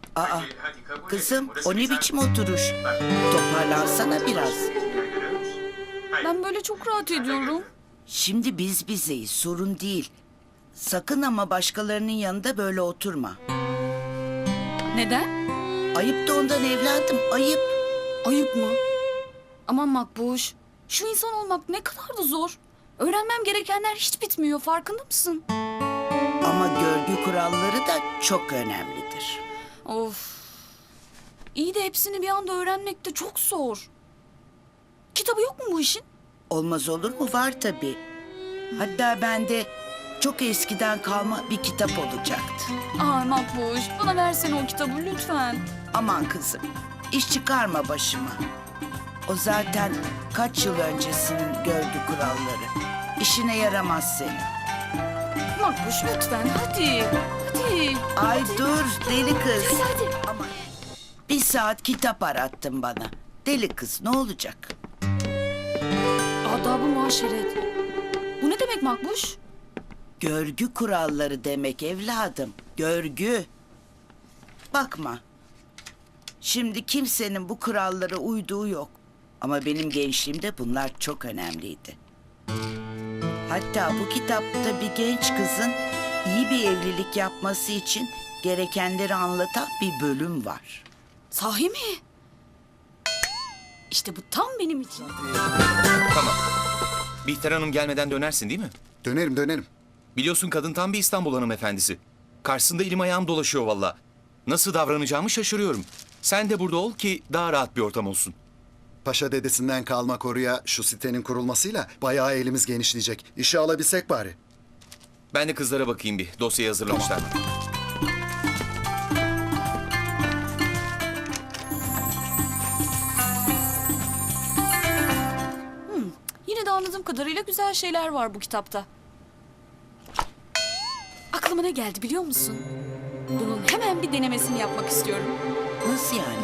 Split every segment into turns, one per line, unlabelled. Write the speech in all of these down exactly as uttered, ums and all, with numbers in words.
Aa, kızım o ne biçim oturuş? Toparlansana biraz.
Ben böyle çok rahat ediyorum.
Şimdi biz bizeyiz, sorun değil. Sakın ama başkalarının yanında böyle oturma.
Neden?
Ayıp da ondan evladım, ayıp.
Ayıp mı? Aman Makbuş. Şu insan olmak ne kadar da zor. Öğrenmem gerekenler hiç bitmiyor, farkında mısın?
Ama görgü kuralları da çok önemlidir.
Of. İyi de hepsini bir anda öğrenmek de çok zor. Kitabı yok mu bu işin?
Olmaz olur mu? Var tabii. Hatta bende çok eskiden kalma bir kitap olacaktı.
Ay Makbuş, bana versene o kitabı lütfen.
Aman kızım, iş çıkarma başıma. O zaten kaç yıl öncesinin görgü kuralları. İşine yaramaz senin.
Makbuş lütfen, hadi. Hadi.
Ay dur deli kız.
Hadi hadi.
Aman bir saat kitap arattın bana. Deli kız ne olacak?
Adab-ı muaşeret. Bu ne demek Makbuş?
Görgü kuralları demek evladım. Görgü. Bakma. Şimdi kimsenin bu kurallara uyduğu yok. Ama benim gençliğimde bunlar çok önemliydi. Hatta bu kitapta bir genç kızın iyi bir evlilik yapması için gerekenleri anlatan bir bölüm var.
Sahi mi? İşte bu tam benim için.
Tamam. Bihter Hanım gelmeden dönersin değil mi?
Dönerim dönerim.
Biliyorsun kadın tam bir İstanbul hanımefendisi. Karşısında elim ayağım dolaşıyor valla. Nasıl davranacağımı şaşırıyorum. Sen de burada ol ki daha rahat bir ortam olsun.
Paşa dedesinden kalma koruya şu sitenin kurulmasıyla bayağı elimiz genişleyecek. İşe alabilsek bari.
Ben de kızlara bakayım bir. Dosyayı hazırlamışlar mı?
Yine de anladığım kadarıyla güzel şeyler var bu kitapta. Aklıma ne geldi biliyor musun? Bunun hemen bir denemesini yapmak istiyorum.
Nasıl yani?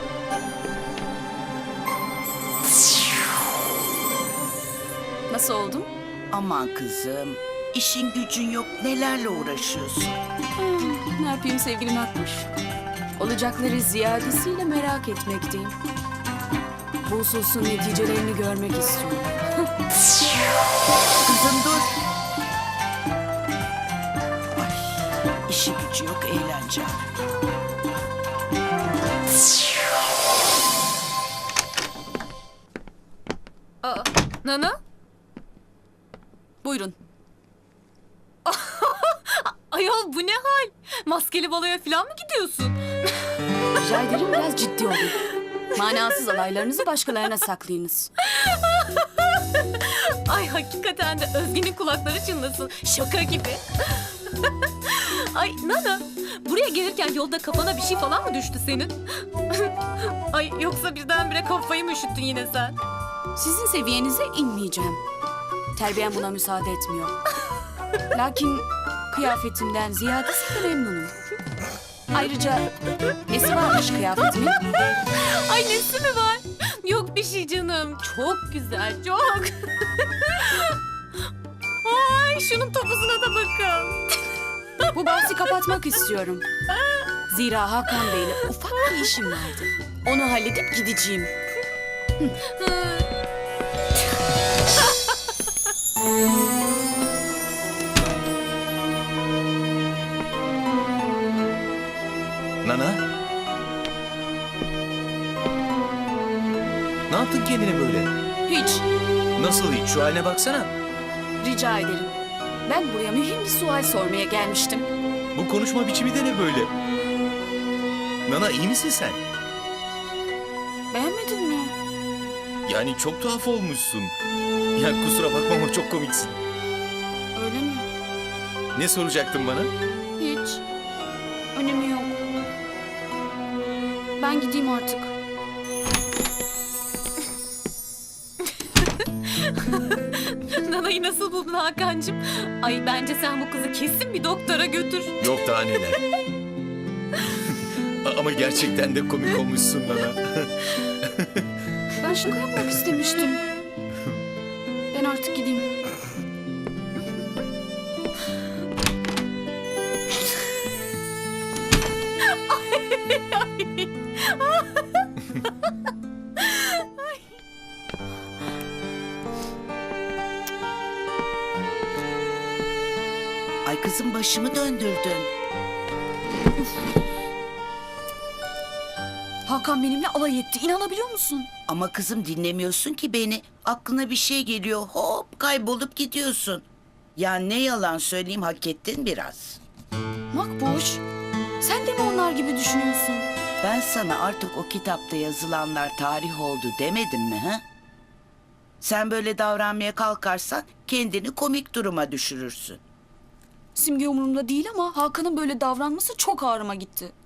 Nasıl oldum?
Aman kızım, işin gücün yok, nelerle uğraşıyorsun?
Hmm, ne yapayım sevgili Makbuş? Olacakları ziyadesiyle merak etmekteyim. Bu hususun neticelerini görmek istiyorum.
Kızım dur. Ay, işi gücü yok, eğlence.
Aa, Nana? Buyurun.
Ayol bu ne hal? Maskeli baloya falan mı gidiyorsun?
Rica ederim biraz ciddi olun. Manasız alaylarınızı başkalarına saklayınız.
Ay hakikaten de Özge'nin kulakları çınlasın. Şaka gibi. Ay Nana, buraya gelirken yolda kafana bir şey falan mı düştü senin? Ay yoksa birdenbire kafayı mı üşüttün yine sen?
Sizin seviyenize inmeyeceğim. Terbiyem buna müsaade etmiyor. Lakin kıyafetimden ziyadesiyle memnunum. Ayrıca nesi varmış kıyafetimin?
Ay nesi mi var? Yok bir şey canım. Çok güzel, çok. Ay şunun topuzuna da bakın.
Bu bahsi kapatmak istiyorum. Zira Hakan Bey'le ufak bir işim vardı. Onu halledip gideceğim.
Nana? Ne yaptın kendine böyle?
Hiç.
Nasıl hiç? Şu haline baksana.
Rica ederim. Ben buraya mühim bir sual sormaya gelmiştim.
Bu konuşma biçimi de ne böyle? Nana iyi misin sen?
Beğenmedin mi?
Yani çok tuhaf olmuşsun. Ya kusura bakma ama çok komiksin.
Öyle mi?
Ne soracaktın bana?
Hiç. Önemi yok. Ben gideyim artık.
Nana'yı nasıl buldun Hakan'cığım? Ay bence sen bu kızı kesin bir doktora götür.
Yok daha neler. Ama gerçekten de komik olmuşsun Nana.
Ben şaka yapmak istemiştim. Ben artık gideyim.
Ay kızım başımı döndürdün.
Hakan benimle alay etti. İnanabiliyor musun?
Ama kızım dinlemiyorsun ki beni. Aklına bir şey geliyor, hop kaybolup gidiyorsun. Ya ne yalan söyleyeyim, hak ettin biraz.
Makbuş, sen de mi onlar gibi düşünüyorsun?
Ben sana artık o kitapta yazılanlar tarih oldu demedim mi ha? Sen böyle davranmaya kalkarsan kendini komik duruma düşürürsün.
Simge umurumda değil ama Hakan'ın böyle davranması çok ağrıma gitti.